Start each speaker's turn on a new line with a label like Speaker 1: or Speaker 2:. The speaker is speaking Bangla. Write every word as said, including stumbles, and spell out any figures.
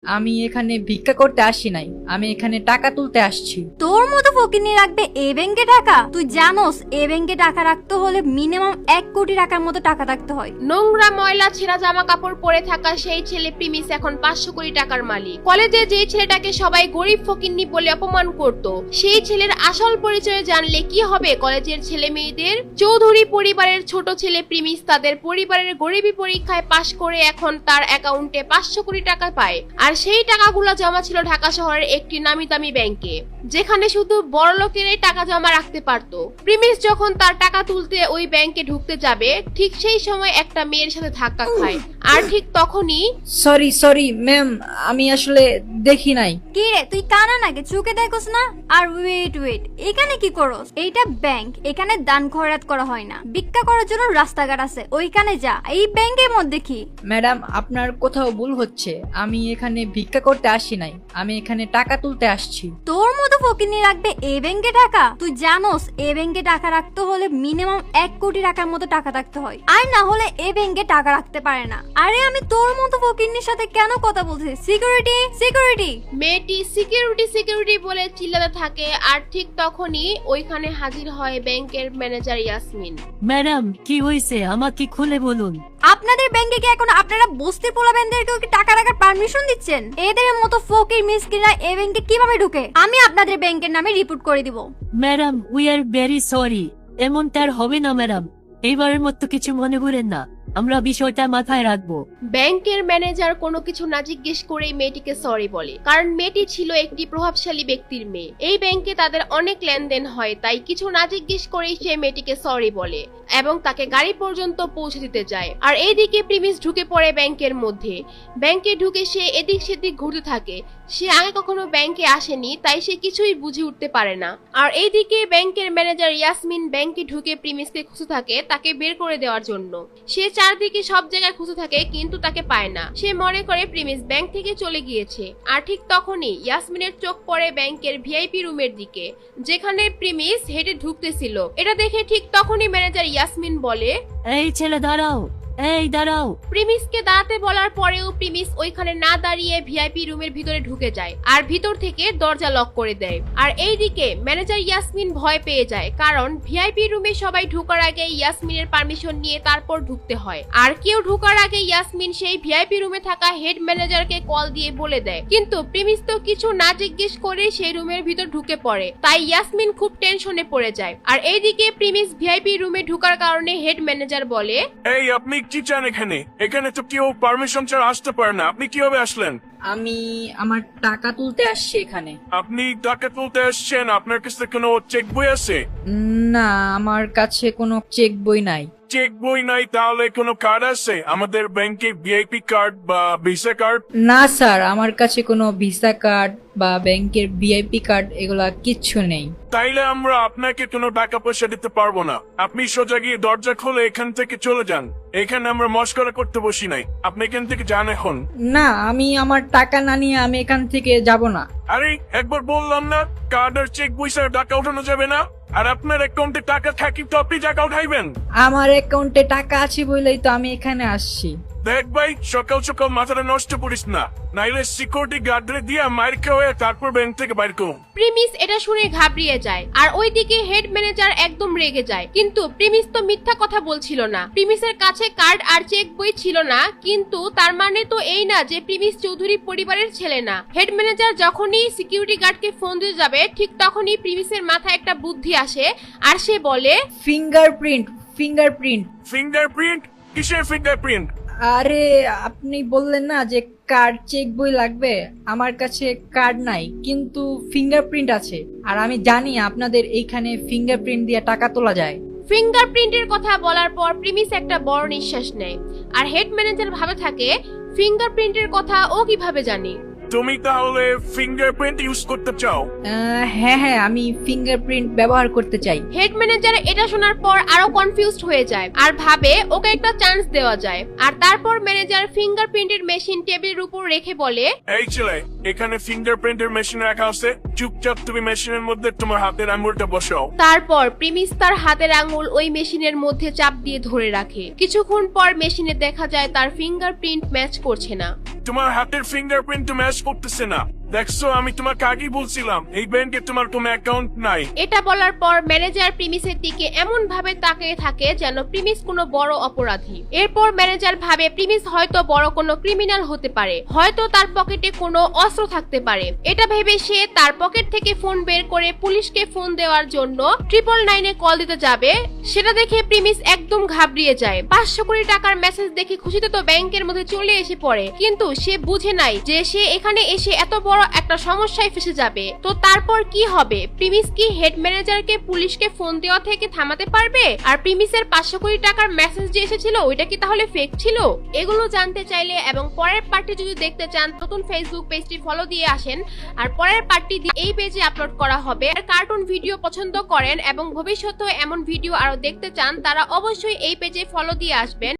Speaker 1: আমি এখানে ভিক্ষা করতে আসি নাই, আমি এখানে টাকা তুলতে আসছি।
Speaker 2: তোর মতো ফকিনি রাখবে এই ব্যাংকে টাকা? তুই জানোস এই ব্যাংকে টাকা রাখতে হলে মিনিমাম এক কোটি টাকার মতো টাকা রাখতে হয়।
Speaker 3: নোংরা ময়লা ছেঁড়া জামা কাপড় পরে থাকা সেই ছেলে প্রিমিস এখন পাঁচশো কোটি টাকার মালিক। কলেজে যে ছেলেটাকে সবাই গরিব ফকিন্নি বলে অপমান করত, সেই ছেলের আসল পরিচয় জানলে কি হবে কলেজের ছেলে মেয়েদের? চৌধুরী পরিবারের ছোট ছেলে প্রিমিস তাদের পরিবারের গরিবী পরীক্ষায় পাশ করে এখন তার অ্যাকাউন্টে পাঁচশো কোটি টাকা পায়। আর সেই টাকাগুলো জমা ছিল ঢাকা শহরের একটি নামি দামি ব্যাংকে, যেখানে শুধু বড় লোকেরাই টাকা জমা রাখতে পারত। প্রিমিস যখন তার টাকা তুলতে ওই ব্যাংকে ঢুকতে যাবে, ঠিক সেই সময় একটা মেয়ের সাথে ধাক্কা খায়। আর ঠিক তখনই
Speaker 1: সরি সরি ম্যাম, আমি আসলে দেখি নাই।
Speaker 2: কি রে, তুই কানা নাকি? চোখে দেখোস না? আর ওয়েট ওয়েট, এখানে কি করস? এইটা ব্যাংক, এখানে দান খয়রাত করা হয় না। ভিক্ষা করার জন্য রাস্তাঘাট আছে, ওইখানে যা। এই ব্যাংকের মধ্যে কি?
Speaker 1: ম্যাডাম, আপনার কোথাও ভুল হচ্ছে। আমি এখানে ভিক্ষা করতে আসি নাই, আমি এখানে টাকা তুলতে আসছি।
Speaker 2: তোর মতো ফকিনি রাখবে এই ব্যাংকে টাকা? তুই জানোস এই ব্যাংকে টাকা রাখতে হলে মিনিমাম এক কোটি টাকার মতো টাকা রাখতে হয়, আর না হলে এই ব্যাংকে টাকা রাখতে পারে না। আরে আমি তোর মতো ফকিনির সাথে কেন কথা বলছি? Security security.
Speaker 3: মেয়েটি সিকিউরিটি সিকিউরিটি বলে চিল্লাতে থাকে। আর ঠিক তখনই ওইখানে হাজির হয় ব্যাংকের ম্যানেজার ইয়াসমিন।
Speaker 4: ম্যাডাম, কি হয়েছে আমাকে খুলে বলুন।
Speaker 2: আপনাদের ব্যাংকে কি এখন আপনারা বস্তির পোলাবেনদেরকেও কি টাকা রাখার পারমিশন দিচ্ছেন? এদের মতো ফকির মিসকিনরা এই ব্যাংকে কিভাবে ঢুকে? আমি আপনাদের ব্যাংকের নামে রিপোর্ট করে দিব।
Speaker 4: Madam, we are very sorry. এমনটা আর হবে না ম্যাডাম, এইবারের মতো কিছু মনে করেন না, আমরা বিষয়টা মাথায় রাখবো।
Speaker 3: ব্যাংকের ম্যানেজার কোনো কিছু না জিজ্ঞেস করেই মেয়েটিকে সরি বলে, কারণ মেয়েটি ছিল একটি প্রভাবশালী ব্যক্তির মেয়ে। এই ব্যাংকে তাদের অনেক লেনদেন হয়, তাই কিছু না জিজ্ঞেস করেই সে মেয়েটিকে সরি বলে এবং তাকে গাড়ি পর্যন্ত পৌঁছে দিতে যায়। আর এইদিকে প্রিমিস ঢুকে পড়ে ব্যাংকের মধ্যে। ব্যাংকে ঢুকে সে এদিক সেদিক ঘুরতে থাকে। সে আগে কখনো ব্যাংকে আসেনি, তাই সে কিছুই বুঝে উঠতে পারে না। আর এইদিকে ব্যাংকের ম্যানেজার ইয়াসমিন ব্যাংকে ঢুকে প্রিমিসকে খুঁজে থাকে তাকে বের করে দেওয়ার জন্য। সে চারদিকে সব জায়গায় খুঁজে থাকে কিন্তু তাকে পায় না। সে মনে করে প্রিমিস ব্যাংক থেকে চলে গিয়েছে। আর ঠিক তখনই ইয়াসমিনের চোখ পড়ে ব্যাংকের ভিআইপি রুমের দিকে, যেখানে প্রিমিস হেঁটে ঢুকতেছিল। এটা দেখে ঠিক তখনই ম্যানেজার ইয়াসমিন বলে,
Speaker 4: এই ছেলে দাঁড়াও, এই দাঁড়াও।
Speaker 3: প্রিমিসকে দাঁড়াতে বলার পরেও প্রিমিস ওইখানে না দাঁড়িয়ে ভিআইপি রুমের ভিতরে ঢুকে যায় আর ভিতর থেকে দরজা লক করে দেয়। আর এইদিকে ম্যানেজার ইয়াসমিন ভয় পেয়ে যায়, কারণ ভিআইপি রুমে সবাই ঢোকার আগে ইয়াসমিনের পারমিশন নিয়ে তারপর ঢুকতে হয়। আর কেউ ঢোকার আগে ইয়াসমিন সেই ভিআইপি রুমে থাকা হেড ম্যানেজারকে কল দিয়ে বলে দেয়, কিন্তু প্রিমিস তো কিছু না জিজ্ঞেস করে সেই রুমের ভিতর ঢুকে পড়ে। তাই ইয়াসমিন খুব টেনশনে পড়ে যায়। আর এইদিকে প্রিমিস ভিআইপি রুমে ঢোকার কারণে হেড ম্যানেজার বলে,
Speaker 5: এই আপনি কি চান এখানে? এখানে তো কেউ পারমিশন ছাড়া আসতে পারে না, আপনি কিভাবে আসলেন?
Speaker 1: আমি আমার টাকা তুলতে আসছি এখানে।
Speaker 5: আপনি টাকা তুলতে আসছেন, আপনার কাছে কোনো চেক বই আছে?
Speaker 1: না, আমার কাছে কোনো চেক বই নাই।
Speaker 5: চেক বই নাই, তাহলে কোনো কার্ড আছে আমাদের ব্যাংকে, ভিআইপি কার্ড বা ভিসা কার্ড?
Speaker 1: না স্যার, আমার কাছে কোনো ভিসা কার্ড বা ব্যাংকের ভিআইপি কার্ড এগুলা কিচ্ছু নেই।
Speaker 5: তাইলে আমরা আপনাকে কোনো টাকা পয়সা দিতে পারবো না। আপনি সোজা গিয়ে দরজা খুলে এখান থেকে চলে যান। এখানে আমরা মস্করা করতে বসি নাই, আপনি এখান থেকে যান এখন।
Speaker 1: না, আমি আমার টাকা না নিয়ে আমি এখান থেকে যাব না।
Speaker 5: আরে একবার বললাম না, কার্ড আর চেক বই ছাড়া টাকা উঠানো যাবে না। আর আপনার অ্যাকাউন্টে টাকা থাকি তো আপনি টাকা উঠাইবেন।
Speaker 1: আমার অ্যাকাউন্টে টাকা আছে বলেই তো আমি এখানে আসছি।
Speaker 5: দেখ ভাই, সকাল সকাল মাথাটা নষ্ট করিস না, নাইলে সিকিউরিটি গার্ডরে দিয়ে মার খাওয়া তারপর ব্যাংক থেকে বাইর করুন।
Speaker 3: প্রিমিস এটা শুনে ঘাবড়িয়ে যায়। আর ওইদিকে হেড ম্যানেজার একদম রেগে যায়, কিন্তু প্রিমিস তো মিথ্যা কথা বলছিল না। প্রিমিসের কাছে কার্ড আর চেক বই ছিল না, কিন্তু তার মানে তো এই না যে প্রিমিস চৌধুরী পরিবারের ছেলে না। হেড ম্যানেজার যখনই সিকিউরিটি গার্ডকে ফোন দিয়ে যাবে, ঠিক তখনই প্রিমিসের মাথায় একটা বুদ্ধি আসে আর সে বলে,
Speaker 1: ফিঙ্গারপ্রিন্ট ফিঙ্গারপ্রিন্ট
Speaker 5: ফিঙ্গারপ্রিন্ট? কিসের ফিঙ্গারপ্রিন্ট?
Speaker 1: আরে আপনি বললেন না যে কার্ড চেক বই লাগবে, আমার কাছে কার্ড নাই কিন্তু ফিঙ্গারপ্রিন্ট আছে। আর আমি জানি আপনাদের এইখানে ফিঙ্গারপ্রিন্ট দিয়ে টাকা তোলা যায়।
Speaker 3: ফিঙ্গারপ্রিন্টের কথা বলার পর প্রিমিস একটা বড় নিঃশ্বাস নেয়। আর হেড ম্যানেজার ভাবে থাকে, ফিঙ্গারপ্রিন্টের কথা ও কিভাবে জানি?
Speaker 5: তুমি তাহলে ফিঙ্গারপ্রিন্ট ইউজ করতে চাও?
Speaker 1: আহ, হ্যাঁ হ্যাঁ, আমি ফিঙ্গারপ্রিন্ট ব্যবহার করতে চাই।
Speaker 3: হেড ম্যানেজার এটা শোনার পর আরো কনফিউজড হয়ে যায় আর ভাবে ওকে একটা চান্স দেওয়া যায়। আর তারপর ম্যানেজার ফিঙ্গারপ্রিন্টের মেশিন টেবিলের উপর রেখে বলে,
Speaker 5: এই ছেলে, এখানে ফিঙ্গারপ্রিন্টের মেশিন রাখা আছে, চুপচাপ তুমি মেশিনের মধ্যে তোমার হাতের আঙুলটা বসাও।
Speaker 3: তারপর প্রিমিস তার হাতের আঙুল ওই মেশিনের মধ্যে চাপ দিয়ে ধরে রাখে। কিছুক্ষণ পর মেশিনে দেখা যায় তার ফিঙ্গারপ্রিন্ট ম্যাচ করছে না।
Speaker 5: তোমার হাতের ফিঙ্গারপ্রিন্ট তো ম্যাচ করতেছে না। দেখছো, আমি তোমাকে আগেই বলছিলাম এই ব্যাংকে তোমার কোনো অ্যাকাউন্ট নাই।
Speaker 3: এটা বলার পর ম্যানেজার প্রিমিসের দিকে এমন ভাবে তাকিয়ে থাকে যেন প্রিমিস কোনো বড় অপরাধী। এরপর ম্যানেজার ভাবে প্রিমিস হয়তো বড় কোনো ক্রিমিনাল হতে পারে, হয়তো তার পকেটে কোনো অস্ত্র থাকতে পারে। এটা ভেবে সে তার পকেট থেকে ফোন বের করে পুলিশকে ফোন দেওয়ার জন্য ট্রিপল নাইনে কল দিতে যাবে। সেটা দেখে প্রিমিস একদম ঘাবড়িয়ে যায়। পাঁচশো কোটি টাকার মেসেজ দেখে খুশিতে তো ব্যাংকের মধ্যে চলে এসে পড়ে, কিন্তু সে বুঝে নাই যে সে এখানে এসে এত বড় একটা সমস্যায় ফেসে যাবে। তো তারপর কি হবে? প্রিমিস কি হেড ম্যানেজারকে পুলিশকে ফোন দেওয়া থেকে থামাতে পারবে? আর প্রিমিসের পাঁচশো কোটি টাকার মেসেজ যে এসেছিল ওইটা কি তাহলে ফেক ছিল? এগুলো জানতে চাইলে এবং পরের পার্টটি যদি দেখতে চান, নতুন ফেসবুক পেজটি ফলো দিয়ে আসেন। আর পরের পার্টটি এই পেজে আপলোড করা হবে। আর কার্টুন ভিডিও পছন্দ করেন এবং ভবিষ্যতে এমন ভিডিও আরো দেখতে চান, তারা অবশ্যই এই পেজে ফলো দিয়ে আসবেন।